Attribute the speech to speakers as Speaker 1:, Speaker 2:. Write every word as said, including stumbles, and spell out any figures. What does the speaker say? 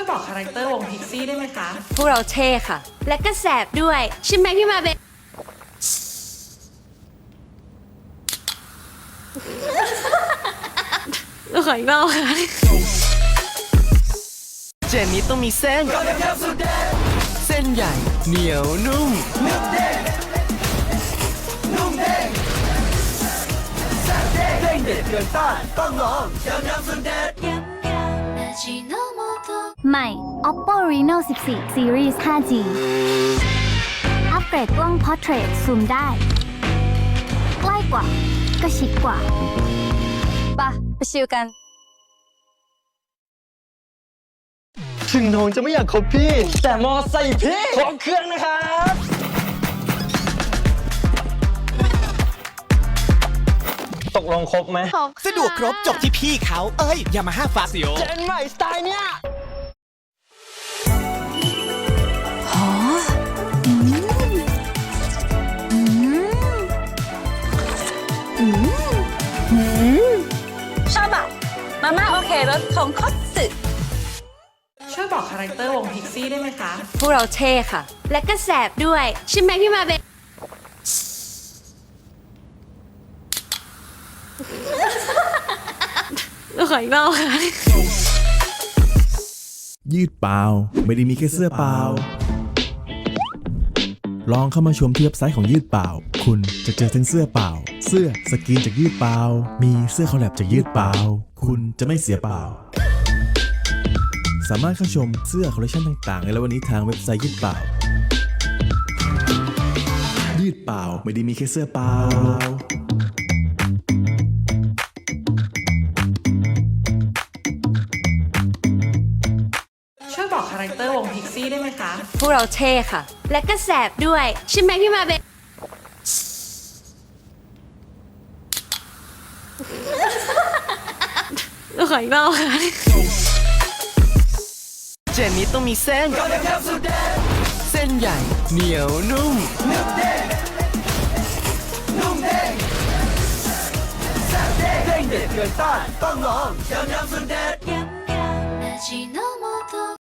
Speaker 1: บอกคาแรคเตอร์วงพิกซี่ได้ไหมคะ
Speaker 2: พวกเราเท่ค่ะ และก็แสบด้วยใช่ไหมพี่มาเบนขออีกรอบค่ะ
Speaker 3: เจนนี้ต้องมีเส้น เส้นใหญ่เหนียวนุ่ม
Speaker 4: ใหม่ Oppo Reno สิบสี่ Series ห้าจี อัปเกรดกล้อง Portrait ซูมได้ ใกล้กว่าก็ชิดกว่าปะไปชิลกัน
Speaker 3: ถึงน้องจะไม่อยากคบพี่ แต่มอใส่พี่ครบเครื่องนะครับ ตกลงครบไหม
Speaker 5: สะดวกครบจบที่พี่เขา เอ้ย ยามาฮ่าฟาซิโอ
Speaker 3: เจนใหม่สไตล์เนี้ย
Speaker 2: ชอบอ่ะมาม่าโอเครสของคอสสึ
Speaker 1: ช่วยบอกคาแรคเตอร์วงพิกซี่ได้ไหมคะ
Speaker 2: พวกเราเท่ค่ะ และก็แสบด้วยใช่ไหมพี่มาเบนขออีกรอบค่ะ
Speaker 6: ยืดเปล่าไม่ได้มีแค่เสื้อเปล่า ลองเข้ามาชมที่เว็บไซต์ของยืดเปล่า คุณจะเจอทั้งเสื้อเปล่า เสื้อสกรีนจากยืดเปล่า มีเสื้อคอลแลบจากยืดเปล่า คุณจะไม่เสียเปล่า สามารถเข้าชมเสื้อคอลเลคชันต่างๆในวันนี้ทางเว็บไซต์ยืดเปล่า ยืดเปล่าไม่ได้มีแค่เสื้อเปล่า
Speaker 1: ช่วยบอกคาแรคเตอร์วงพิกซี่ได้ไหมคะ
Speaker 2: พวกเราเท่ค่ะ และก็แสบด้วยใช่ไหมพี่มาเบนขออีกรอบค่ะ
Speaker 3: เจนนี้ต้องมีเส้น เส้นใหญ่เหนียวนุ่ม
Speaker 4: ยำยำ